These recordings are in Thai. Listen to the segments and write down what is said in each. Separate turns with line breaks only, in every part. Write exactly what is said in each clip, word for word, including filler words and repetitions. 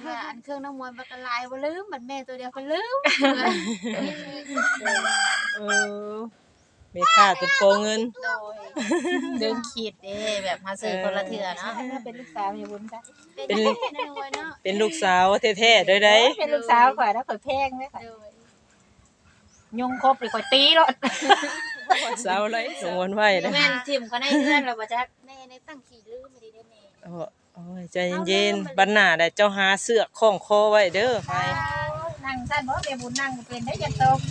ว่าอันเครื่องน้ำมวยมันก็ลายบ่ลืมบัดแม่ตัวเดียวก็ลืม
เออแม่ค้าจนโกงเงิน
โดย
ดึงขีดเด้แบบมาซื้อคนละเทื่อเนาะ
ถ้าเป็นลูกสาวอย่าบุญจ้ะ
เป็นแม่น้ำมวยเนาะ
เป็นลูกสาวแท้ๆด้วยได้
เป็นลูกสาวข่อยแล้วข่อยแพงเลยค่ะ
โดย
ยงครบหรือข่อยตีรถ
สาวไรสงวนไว้เด้อ
แม่นทิ่มก็ในเพื่อนเราบ่จัก
แม่ในตั้งขี่ลืมไม่ได้ได้แม่
โอ้โอ้ยใจเย็นๆบัดหน้าได้เจ้าหาเสื้อคล้องคอไว้เด้อไป
นั่งสั้นบ่แม่บุญนั่งก็เป็นได้อยันตก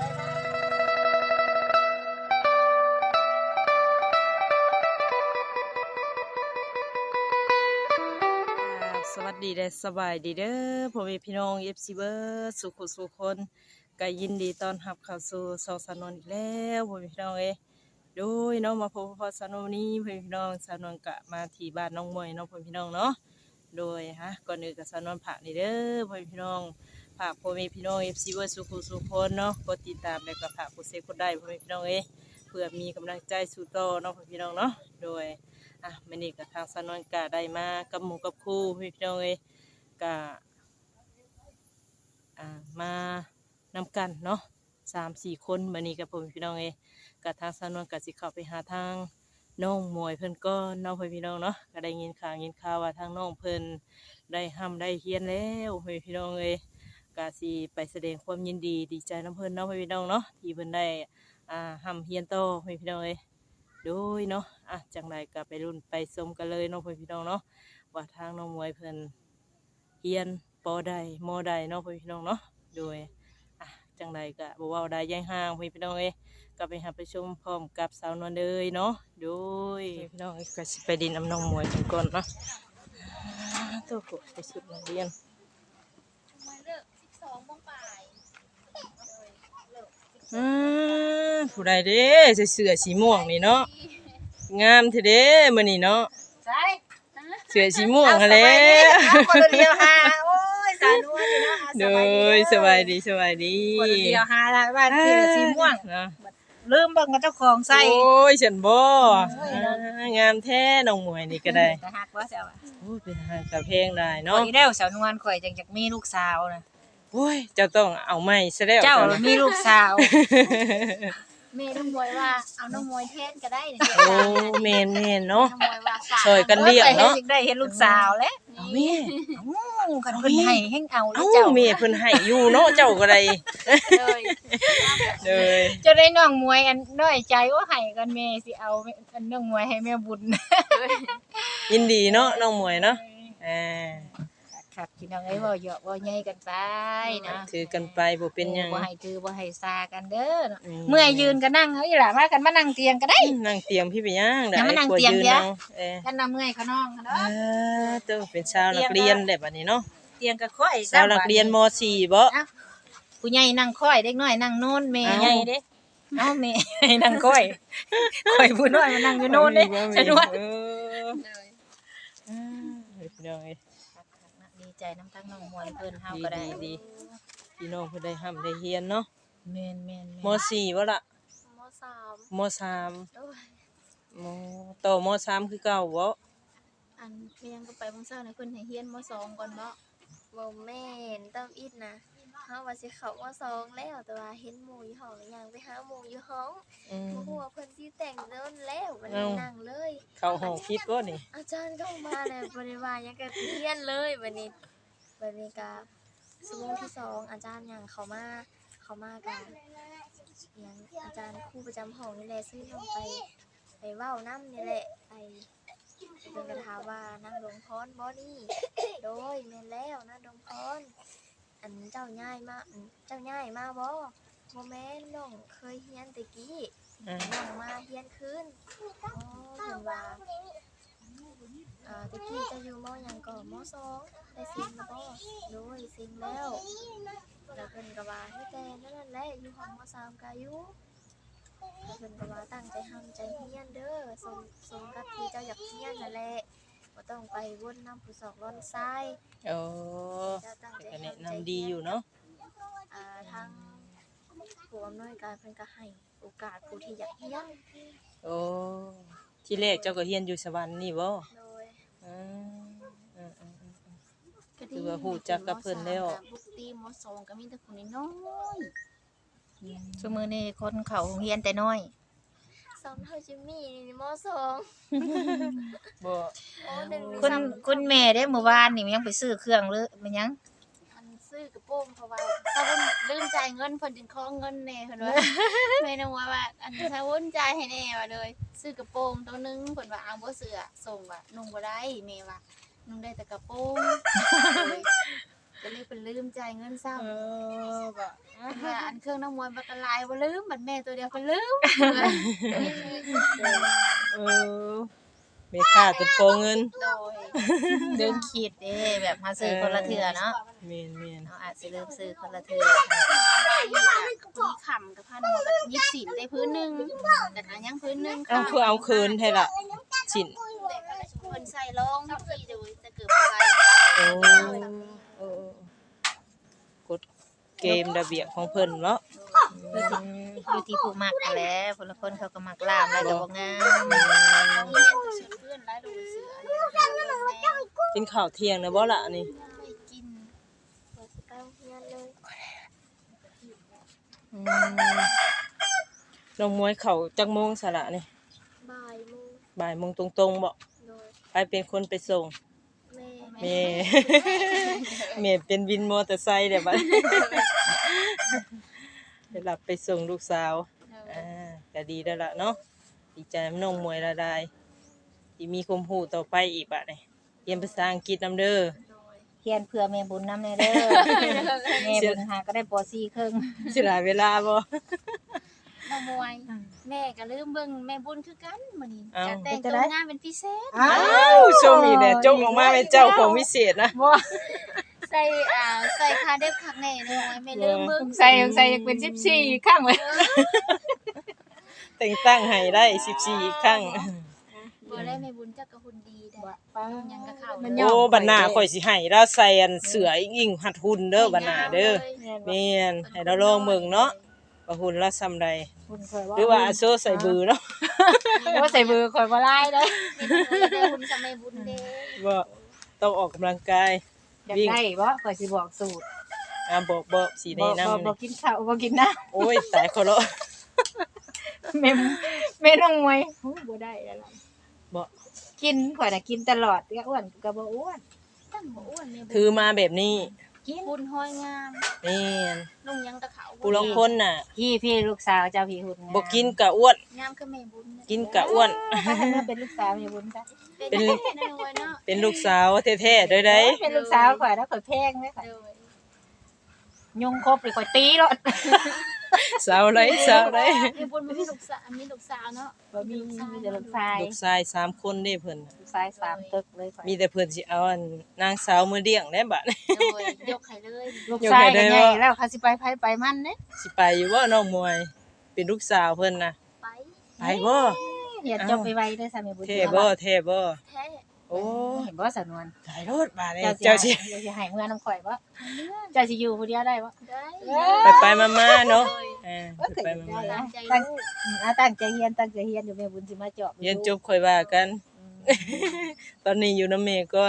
สวัสดีและสบายดีเด้อพ่อแม่พี่น้อง เอฟ ซี เบิร์ดสุขสุขคนก็ยินดีต้อนรับเข้าสู่ซองสานนอีกแล้วพ่อแม่พี่น้องเอ้ยโดยเนาะมาพบกับสานนนี้พ่อแม่พี่น้องสานนกะมาที่บ้านน้องมวยเนาะพ่อแม่พี่น้องเนาะโดยฮะก่อนอื่นกับสานนผักนี่เด้อพ่อแม่พี่น้องผักพ่อแม่พี่น้อง เอฟ ซี เบิร์ดสุขสุขคนเนาะกดติดตามแล้วก็ผักกดเซฟกดได้พ่อแม่พี่น้องเอ้ยเพื่อมีกำลังใจสู่ต่อเนาะพ่อแม่พี่น้องเนาะโดยอ่ะมื้อนี้ก็ทางสานนกะได้มากับหมู่กับครูพ่อแม่พี่น้องเอ้ยก็อ่ามานำกันเนาะสามสี่คนมานี่กับผมพี่น้องเองกับทางสานวนกับสิเข้าไปหาทางน้องมวยเพิ่นก็น้องเพิ่นพี่น้องเนาะก็ได้ยินข่าวยินข่าวว่าทางน้องเพิ่นได้ห้ำได้เฮียนแล้วเพิ่นพี่น้องเองก็สิไปแสดงความยินดีดีใจน้ำเพิ่นเนาะเพิ่นพี่น้องเนาะที่เพิ่นได้อ่าห้ำเฮียนโตเพิ่นพี่น้องเองโดยเนาะอ่ะจังไรก็ไปรุ่นไปชมกันเลยเนาะเพิ่นพี่น้องเนาะว่าทางน้องมวยเพิ่นเฮียนปอได้มอได้เนาะพี่น้องเนาะโดยอ่ะจังใดก็บ่เว้าได้ย่างห่างพี่น้องเอ้ยก็ไปหาไปชมพร้อมกับสาวนวลเลยเนาะโดยพี่น้องก็สิไปดินน้ำน้องมวยกันก่อนเนาะตัวกูไปสุดนักเรียน
มาเลิกสิบสองโมงบ่าย
อืมผู้ใดเด้ใส่เสื้อสีม่วงนี่เนาะงามทีเด้มื้อนี้เนาะ
ใช่
เสื้อสีม่วงหั่นแหละ
คนเดียวหาโอ้ยสาวนวลนี่เนาะ
โดยสบายดีสบายดี
คนเดียวหาละบ้านคือสีม่วง
เนาะ
ลืมเบิ่งกับเจ้าของใส่
โอ้ยฉันบ่
โอ้ย
อ่างามแท้น้องมวยนี่ก็ได้
แต่หักว่าเจ้า
โอ้ยเป็นทางกระเพงได้
ข่อ
เนาะ
ยแล้วสาวนวลข่อยจังอยากมีลูกสาวนะ
โอ้ยเจ้าต้องเอาไม้ซะแล้ว
เจ้า
จ้ะ
มีลูกสาว
แม่น้ำมวยว่าเอาน้ำมวยแทนก็ได้เนี่ย
โอ้แม่นแม่นเนาะ
น้ำมวยว่าฝาก
ช่วยกันเลี้ยงเนาะ
ได้เห็นลูกสาวแล้ว
เอาแม่
เอ้ากันเพิ่นให้แฮงเอาแล้
เอ้าว
เจ้า
แม่เพิ่นให้อยู่เนาะเจ้าก็ได้
เลย
เลย
จะได้น้องมวยอันน้อยใจว่าให้กันแม่สิเอาอันน้องมวยให้แม่บุญ
ยินดีเนาะน้องมวยเนาะอ่า
ครับพี่น้องเอ้ยเว้าเหยาะเว้าใหญ่กันไปนะ
ถือกันไปบ่เป็นหยัง
บ่ให้ถือบ่ให้ซากันเด้อ
อืม
เมื่อยยืนก็นั่งเอ้ยล่ะมากันมานั่งเตียงก็ได้
นั่งเตียงพี่ไปย่างได้
อย่ามานั่ง
กลัว
เตียง
ยืน
เดี๋ยว
นั่งเออ
กันน่ะเมื่อยเขาน้องเด้
เอ
อ
อเต้องเป็นชาวนักเรียนได้บัดนี้เนาะ
เตียงก็ค่อย
ชาวนักเรียนม .สี่ บ่
ผู้ใหญ่นั่งค่อยเด็กน้อยนั่งโน่นแม่
เอ้า
ใหญ่เด้เอ้าแม่นั่งค่อยค่อยผู้น้อยมานั่งอยู่โน่นเด้ฉันว่า
เออเออพี่น้องเอ้ย
ดีใจน้ำทั้งน้องมวยเพิ่นเฮาก็ได้
ดีๆพี่น้องเพิ่นได้ห้ำได้เฮียนเนาะ
แม่นแม่น
ม .สี่ บ่ล่ะ
มสาม
ม .สาม
โดย
มต่อม .สาม คือเก่าบ่
อันเพียงก็ไปมื้อเช้านะเพิ่นให้เฮียนมสองก่อนเนาะ
บ่แม่นตามอิดนะเฮาว่าสิเข้ามาสองแล้วแต่ว่าเห็นหมู่อยู่ห้องแล้วยังไปหาหมู่อยู่ห้อง
อืม
บ่ฮู้ว่าเพิ่นสิแต่งโดนแล้ววัน
เอ้า
นี้นั่งเลย
เข้าห้องผิดบ่นี่
อาจารย์เข้ามาแล้วบ่ได้ว่าหยังก็เรียนเลยบัดนี้บัดนี้ก็ชั่วโมงที่สองอาจารย์หยังเข้ามาเข้ามาก็หยังอาจารย์ครูประจำห้องนี่แหละซื้อน้องไปไปเว้านำนี่แหละไปเพิ่นก็ถามว่านั่งลงพรบ่นี่โดยแม่นแล้วนั่งลงพร อันเจ้าย่ายมาอันเจ้าย่ายมาบ่บ่แม่นน้องเคยเฮียนแตะกี้
อ่า
น้องมาเฮียนคืนอ๋อเพิ่นว่าอ่าแตะกี้เจะอยู่มหยังก็มสองได้ซิงแล้วบ่โดยซิงแล้วแล้วเพิ่นก็ว่าให้แต่นั่นแหละอยู่ห้องมสามก็อยู่แล้วเพิ่นก็ว่าตั้งใจทำใจเฮียนเด้อสมสมกับที่เจ้าอยากเฮียนนั่นแหละบ่ต้องไปวนนำผู้สอกล้อนซ้าย
โอ้
เจ้าตั้งใจ
ก็แนะ
ทำใจ
นำดีอยู่เนาะ
อ่าทางผู้อำนวยการเพิ่นก็ให้โอกาสผู้ที่อยากเรียน
โอ้ที่แรกเจ้าก็เฮียนอยู่สวรรค์นี่บ่
โดย
อืมอืมอืมอืม
ก็
ถือว่าฮู้จักกับเพิ่นแล้ว
ปกติมสองก็มีแต่คนน้อย
ซุมื้อนี้คนเข้าโรงเรียนแต่น้อย
สอนเฮาจิมมี่นี่มสอง
บ่
โอ้หนึ่ง
คุณคุณแม่เด้เมื่อวานนี่ยังไปซื้อเครื่องหรือมันยัง
อันซื้อกระโปรงเพราะว่าถ้าเพิ่นลืมจ่ายเงินเพิ่นจึงขอเงินแน่เพิ่นว่า แม่น้องว่าว่าอันถ้าเพิ่นจ่ายให้แน่ว่าเลยซื้อกระโปรงตัวหนึงเพิ่นว่าเอาบ่เสื้อส่งว่านุ่งบ่ได้แม่ว่านุ่งได้แต่กระโปรงเลยก็เลยเพิ่นลืมจ่ายเงินซ้ำ
เออบ่
ว่าอันเครื่องน้ำมวยบักกะลายบ่ลืมบัดแม่ตัวเดียวเพิ่นลืม
เออแม่ค้าจนขอเงิน
โดย
เดินขีดเด้แบบมาซื้อคนละเทื่อเนาะ
แม่นแม่น
เนาะอาจสิลืมซื้อคนละเทื่อ
มีขำกับพันหัวกับยิบสินได้พื้นหนึงแต่ก็ยังพื้นหนึง
เอาคือเอาคืนให้ล่ะชิ้น
แต่ก็เพิ่นใส่รองทุกทีเดี๋ยวจะเกิดอะไร
โอ้เออกฎเกมระเบียบของเพิ่นเนาะ
อยู่ที่ผู้มักนั่นแหละคนละคนเขาก็มักลามแล้วก็บ่งาม
มีเงินจะชวนเพื่อนไล่ดูเสือแม่
กินข้าวเที่ยงนะบ่ล่ะอันนี้
ไม่กิน
เปิดสิไปโรงเรียนเลย
อืมน้องมวยเข้าจักโมงซะล่ะนี่
บ่ายโมง
บ่ายโมงตรงๆบ่
โดย
ใครเป็นคนไปส่ง
แม่
แม่ แม่เป็นวินมอเตอร์ไซค์เด้บัดไปรับไปส่งลูกสาวอ่าก็ดีแล้วล่ะเนาะดีใจนำน้องมวยละได้ที่มีความรู้ต่อไปอีกบัดนี้เรียนภาษาอังกฤษนำเด้อ
เฮียนเพื่อแม่บุญนำแน่เด้อแม่บุญหาก็ได้ปอสี่ครึ่ง
สิหลายเวลาบ่
น้องมวยแม่ก็ลืมเบิ่งแม่บุญคือกันมื้อนี้
อ้าว
จะแต่งตัวงานเป็นพิเศษ
อ้า
อ้าวชมอีกแล้วจงออกมาเป็นเจ้าของวิเศษนะ
บ่
ใส่อ่าใส่คาเด็บคักแน่น้อยแม่ลืมเบิ่ง
ใส่ใส่ยังเป็นสิบสี่ข้างเลย
แต่งตั้งให้ได้สิบสี่ครั้ง
บ่ได้แม่บุญจักก็หุ่นดีได้ยังก็เข้า
มัน
เลย
ยอม
โอ้บัดหน้าข่อยสิให้เราใส่อันเสือยิ่งหัดหุ่นเด้อบัดหน้าเด้อแม่นให้เราลองเบิ่งเนาะว่าหุ่นเราซำใด
คุณเคยว่า
หรือว่าอาโซใส่บือเนาะ
ว่าใส่มือคอยบ่ไล่เลย
ได้หุ่นสมัยบุญเด้
บ่ต้องออกกำลังกาย
อยาก
วิ่ง
ได้บ่คอยสิบอกสูตร
อ่าบอกบอกสี
บ่
แนะ
บ่
นำ
บ่
นี่
กินข้าวบ่กินน้
โอ้ยตายคนละ
ำแม่แม่น้องมวยโอ้บ่ได้แล้วล่ะ
บ่
กินข่อยน่ะกินตลอดก็อ้วนก็บ่อ้วน
ตั้งบ่อ้วนแม่บุญ
ถือมาแบบนี้
กิน
บุญห้อยงาม
แม่น
นุ่งยังกะเขา
ผู้ลางคนน่ะ
พี่พี่ลูกสาวเจ้าพี่หุ่นงาม
บ่กินกะอ้วน
งามคือแม่บุญ
กินกะอ้วน
ถ้าให้มาเป็นลูกสาวอย่าบุญซะ
เป็นแม่น้อยเนาะ
เป็นลูกสาวแท้ๆเด้อได้
เป็นลูกสาวข่อยแล้วข่อยแพงเลยค่ะ
โดย
ยุงครบหรือข่อยตีแล้ว
สาวไรสาวไร
แม่บุญมีลูกสาวมีลูกสาวเนาะ
บ่มีมีแต่ลูกชาย
ลูกชายสามคนเด้เพิ่น
ลูกชายสามตึกเลยข่อย
มีแต่เพิ่นสิเอาอันนางสาวมือเลี้ยงได้บัด
โดยยกให้เลย
ลูกชายก็ใหญ่แล้วเขาสิไปไผไปมันเด้
สิไปอยู่บ่น้องมวย เป็นลูกสาวเพิ่นน่ะ
ไป
ไปบ่
อย่าจบไปไวเด้อสามีบุญ
เท่บ่เท่บ่
แท้
โอ้
เห็นบ่สำนวน
ถ่ายรถบาดนี้
เจ้า
เจ้า
สิ
สิ
เจ้าสิให้เมื่อน้ำข่อยบ่เจ้าสิอยู่ผู้เดียวได้บ่
ได้
ไปไปๆมาๆเนาะเออไปไปมา
ตามใจ
ตั้ง
ลูก
อืมอ่าตั้งใจเรียนตั้งใจเรียนอยู่แม่บุญสิมาเจาะ
ๆเรียนจบค่อยว่ากัน ตอนนี้อยู่นำแม่ก่อน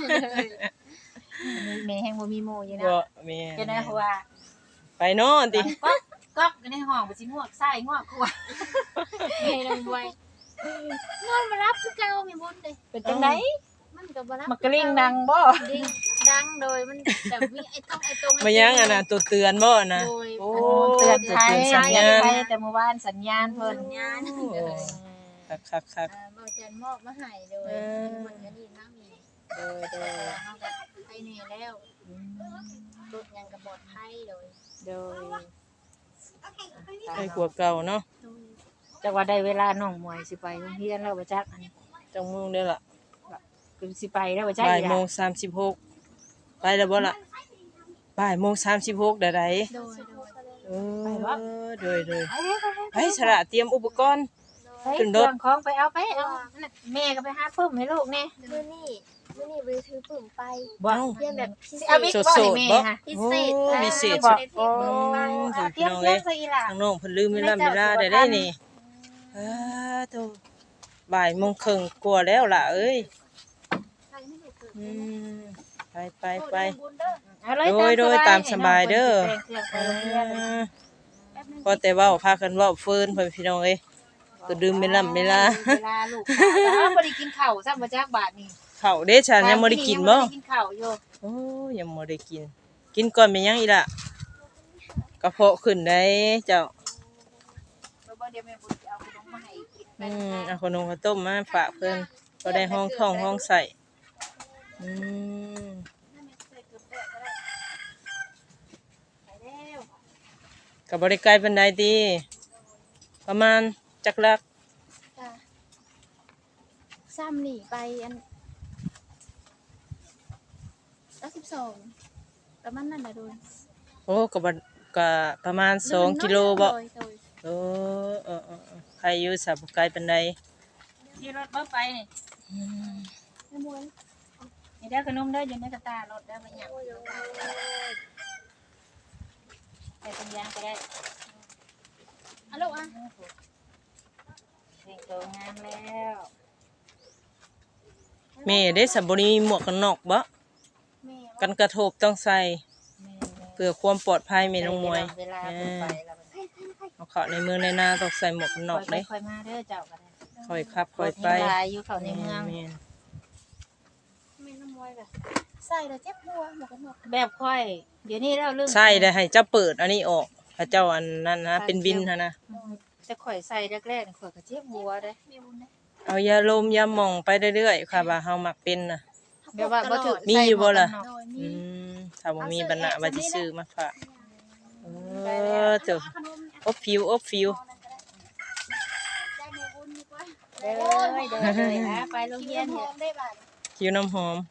แม่แห่งบ่มีหมู่อยู่นะ
บ่แม่
จะได้เพราะว่า
ไปเนาะติ
ก๊อกก๊อกอยู่ในห้องบ่สิงวกซ้ายงวกขวา
แม่น้องบวยนอนมารับคือเก่าแม่บุญเด้
เป็นจังได๋
มันก็บ่รับ
มักกะลิงดังบ่
ดิ้งดังโดยมันแบบมีไอ้ต้องไอ้ตรง
มายังอันน่ะตัวเตือนบ่น่ะ
โดย
โอ้
เตือนภัย
สัญญาณ
เตือนภัยแต่เมื่อวานสัญญาณเพิ่น
สัญญาณ
โอ้คักๆ
อ่าบ่จันมอบมาให้โดยมันก็ดีน้ำมี
โดยโดย
เฮาก็ไปแน่แล้วรถยังก็ปลอดภัยโดย
โดย
ๆให้กว่าเก่าเนาะ
โดย
จักว่าได้เวลาน้องมวยสิไปโรงเรียนแล้วบ่จักอันนี้
จังโมงเด้อล่ะ
คือสิไปแล้วบ่จัก
บ่าย
อีห
โม
ล่ะ
งสามสิบหกไปแล้วบ่ล่ะบ่ายโมงสามสิบหกได้ได
โดยโดย
เออโดยโดยไปสระเตรียมอุปกรณ์
ไป
ขึ้นรถ
เครื่องของไปเอาไปเอานั่นน่ะแม่ก็ไปหาพึ่มให้ลูกแน่
มื้อนี้มื้อนี้บ่ได้ถือปุ่มไป
บ่
เรียนแบบพิเศ
เอา
ษ
บิ๊ก
โส
บ่
ด
ให้
ๆ
แม่
บ่
ค่ะ
พิเศษ
โอ้พิเศษ
บ่
สุด
ได้ถือปุ่มไป
เอาเตรียมเตรียมซะอีหล่ะ
ทางน้องเพิ่นลืมเวลาเวลาได้ได้นี่อ้าโตบ่ายโมงครึ่งกว่าแล้วล่ะเอ้ย
ใครไม่ได้เกิด
อืมไปไปไป
เอาเลย
โดยโดยตามสบายเด้อ
ให้น้องเพิ่นสิแต่งเครื่องไปโรงเรียนเลย
พอแต่เว้าพากันเว้าเฟินเพิ่นพี่น้องเอ้ยก็ดื่มเป็นลำเวลา
เวลาลูกข้าวแล้วบ่ได้กินข้าวซ้ำบ่จักบาทนี่
ข้าวเด้ฉันยังบ่ได้กินบ่
ยังบ่ได้กินข้าวอยู่
โอ้ยังบ่ได้กิน กินก่อนเป็นหยังอีล่ะกระเพาะขึ้นได้เจ้า
แล้วบ่เดี๋ยวแม่บุญสิเอาขนมมาให้กินไป
อืมเอาขนมข้าวต้มมาฝากเพิ่นก็ได้ห้องท้องห้องใส่อืมก็บ่ได้ไกลปานใดติประมาณจักลัก
จ้ะซ้ำนี่ไปอันร้อยสิบสองประมาณนั้นน่ะโดน
โอ้ก็บ่ก็ประมาณสองกิโลบ่
โดยโดย
โอ้เออๆๆใครอยู่สับบ่ไกลปานใด
ที่รถบ่ไปนี่
อืม
ไม่มวย
นี่ได้อขนมเด้ออยู่ในกระตารถเด้อบ่หยังไปตรงยางก็ได้
อะลูกอ่ะ
แต่งตัวงามแล้ว
แม่ได้สับบริมีหมวกกันน็อกบ่
แม่
กันกระทบต้องใส่
แม่
เพื่อความปลอดภัยแม่น้องมวย
เวลาเพิ่นไปแล้วมัน
เอาเข้าในเมืองในนาต้องใส่หมวกกันน็อก
ค่
เด้
อยๆค่อยมาเด้อเจ้าก็ได้
ค่อยขับค่อยไป
รถนี่หลายอยู่เข้าในเมือง
แม่น
แม่น้ำมวยแบบใส่แล้วเจ็บหัวหมวกกันน็อก
แบบค่อย เดี๋ยวนี้เราลืม
ใช่ได้ให้เจ้าเปิดอันนี้ออกถ้าเจ้าอันนั้นนะเป็นบินหั่นนะ
แต่ข่อยใส่แรกๆนี่ข่อยก็เจ็บหัวเด้
แม่บุญนะ
เอายาลมยาหม่องไปเรื่อยๆค่ะว่าเฮามักเป็นน่ะ
แบบว่าบ่ถึก
มีอยู่บ่ล่ะ
โดยมี
อืมถ้าบ่มีปัญหาว่าสิซื้อมาฝากเออเจ้า
ขนมเนี่ย
อบฟิวอบฟิว
ได้แม่บุญดีกว่า
เด้อเด้อเด้อฮะไปโรง
กิน
เรียน
ห
เนี่
อย มได้บ่าด
คิ้วน้ำหอม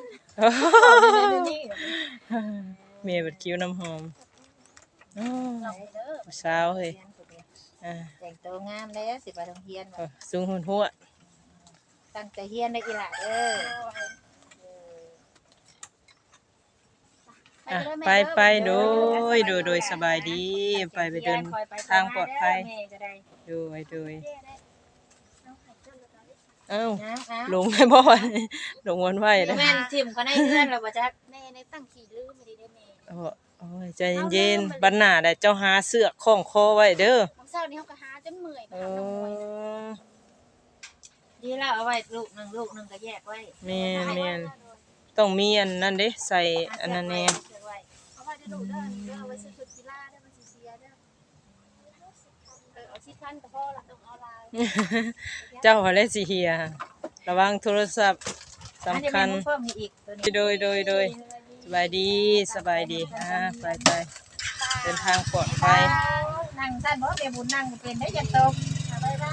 เมียบัดคิ้วน้ำหอมอ้อผู้สาวเฮ้ยอ่า
แต่งตัวงามแล้วสิไปโรงเรียน
เออสูงหุ่นหัว
ตั้งใจเรียนได้อีหล่ะเด้อ
อ่ะไปไปโดยโดยโดยสบายดีไปไปเดินทางปลอดภัย
แม่ก็ได้
โดยโดยเอ้า
นะอ่ะ
ลงไม่บ่อยลงวันไหวเลย
แม่นทิ่มก็ได้เพื่อนแล้วบ่จัก
แม่ในตั้งขี่ลืมไม่ได้ได้แม่
โอ้โอ้ยใจเย็นๆบัดหน้าได้เจ้าหาเสือกคล้องคอไว้เด้อ
ของเช้านี้เขาก็หาจนเมื่อย
เอ
มาทำน้ำมวย
อ
ดีแล้วเอาไว้ลูกหนึงลูกหนึงก็แยกไว้
แม่นแม่นต้องมีอันนั้นเด้ใส่อันนั้นแน่
เก็บไว้
เอาไว้จะดูเด้อนี่เด้อเอาไว้ซื้อชุดกีฬาเด้อมันสิเสียเด้อเออเอาชิดพันกับพ่อละต้องเอาลาย
เจ้าหัวเล่สิเฮียระวังโทรศัพท์สำคัญ
อันนี้แม่เพิ่มให้อีกตัวนี้
โดยโดยโดยสบายดีสบายดีอ่าไปไปเดินทางปลอดภัย
นั่งสั้นบ่แม่บุญนั่งเป็นได้จังตกบ๊ายบาย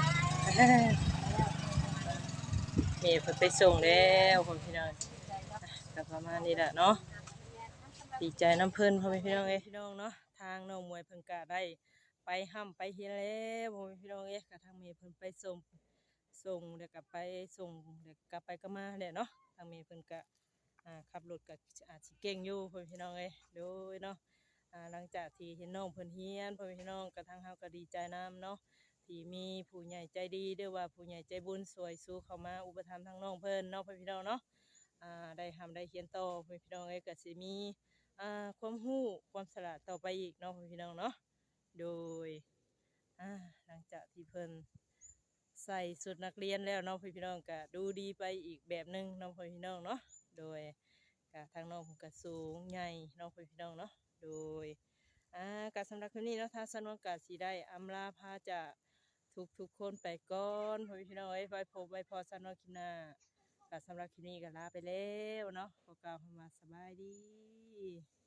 เมย์เพิ่นไปส่งแล้วพ่อพี่น้องก็ประมาณนี้แหละเนาะดีใจน้ำเพิ่นพ่อพี่น้องเอ้ยพี่น้องเนาะทางน้องมวยเพิ่นก็ได้ไปห้ำไปเฮียนแล้วพ่อพี่น้องเอ้ยก็ทางเมย์เพิ่นไปส่งส่งเดี๋ยวกลับไปส่งเดี๋ยวกลับไปก็มาแหละเนาะทางเมย์เพิ่นก็อ่าขับรถก็อาจสิเก่งอยู่พ่อพี่น้องเอ้ยโดยเนาะอ่าหลังจากที่เห็นน้องเพิ่นเฮียนพ่อพี่น้องก็ทางเฮาก็ดีใจนํเนาะ ที่มีผู้ใหญ่ใจดีเด้อว่าผู้ใหญ่ใจบุญสวยสู้เข้ามาอุปถัมภ์ทางน้องเพิ่นเนาะพี่น้องเนาะอ่าได้ทำได้เขียนต่อพี่น้องเอ้ยก็สิมีอ่าความรู้ความสละต่อไปอีกเนาะพี่น้องเนาะโดยอ่าหลังจากที่เพิ่นใส่ชุดนักเรียนแล้วเนาะพี่น้องก็ดูดีไปอีกแบบนึงเนาะพี่น้องเนาะโดยก็ทางน้องเพิ่นก็สูงใหญ่เนาะพี่น้องเนาะโดยอ่าการสำหรับคลิปนี้เนาะทางสนวนก็สิได้อำลาพาจาก ทุกทุกคนไปก่อนพ่อพี่น้องเอ้ยไว้พบไว้พอสำหรับคลิปหน้าก็สำหรับคลิปนี้ก็ลาไปแล้วเนาะขอกล่าวคำว่าสบายดี